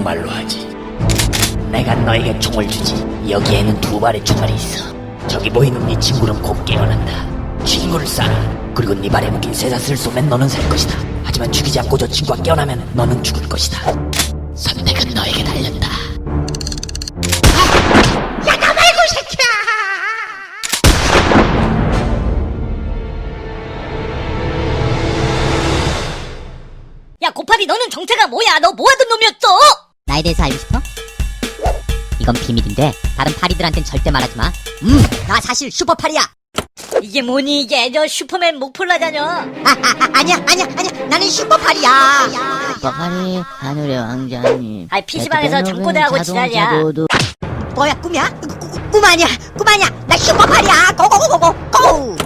정말로 하지. 내가 너에게 총을 주지. 여기에는 2발의 총알이 있어. 저기 보이는 네 친구는 곧 깨어난다. 친구를 쏴라. 그리고 네 발에 묶인 쇠사슬을 쏘면 너는 살 것이다. 하지만 죽이지 않고 저 친구가 깨어나면 너는 죽을 것이다. 선택은 너에게 달렸다. 야, 나 말고 이 새끼야! 야, 고파리 너는 정체가 뭐야? 너 뭐하던 놈이었어? 나에 대해서 알고 싶어? 이건 비밀인데 다른 파리들한텐 절대 말하지 마. 나 사실 슈퍼파리야. 이게 뭐니 이게? 저 슈퍼맨 목폴라자녀. 아니야. 나는 슈퍼파리야. 슈퍼파리 하늘의 왕자님. 아이, PC방에서 잠꼬대하고 지랄이야. 뭐야, 꿈이야? 꿈 아니야. 나 슈퍼파리야. 고고고고고.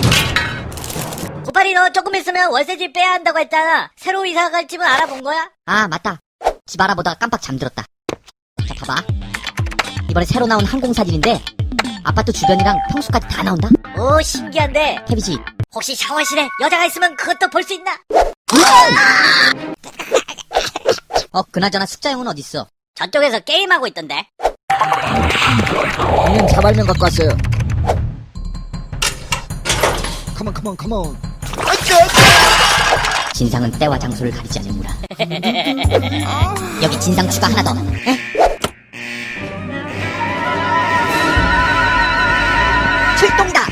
고파리 너 조금 있으면 월세집 빼야 한다고 했잖아. 새로 이사 갈 집은 알아본 거야? 아, 맞다. 집 알아보다가 깜빡 잠들었다. 자, 봐봐. 이번에 새로 나온 항공사진인데 아파트 주변이랑 평수까지 다 나온다. 오, 신기한데. 태비지. 혹시 샤워실에 여자가 있으면 그것도 볼 수 있나? 그나저나 숙자형은 어딨어? 저쪽에서 게임하고 있던데. 형님 자발면 갖고 왔어요. 컴온. 진상은 때와 장소를 가리지 않는구나. 여기 진상 추가 하나 더. 에? 출동이다.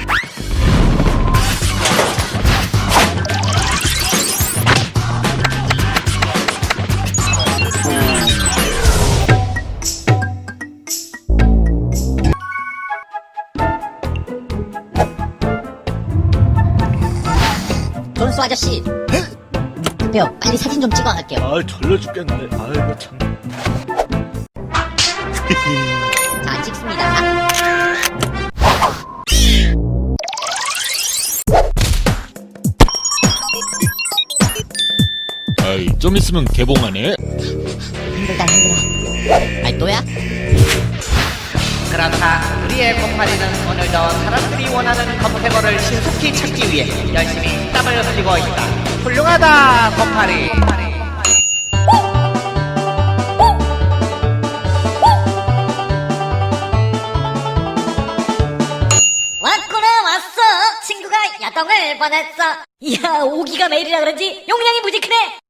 존수 아저씨. 급해요. 빨리 사진 좀 찍어 갈게요. 아, 졸려 죽겠는데. 아이고 참. 자, 찍습니다. 아이, 좀 있으면 개봉하네. 힘들다. 아이, 또야? 그렇다. 우리의 고파리는 오늘도 사람들이 원하는 검색어를 신속히 찾기 위해 열심히 땀을 흘리고 있다. 훌륭하다, 고파리. 왔구나, 왔어. 친구가 야동을 보냈어. 이야, 5기가 메일이라 그런지 용량이 무지 크네.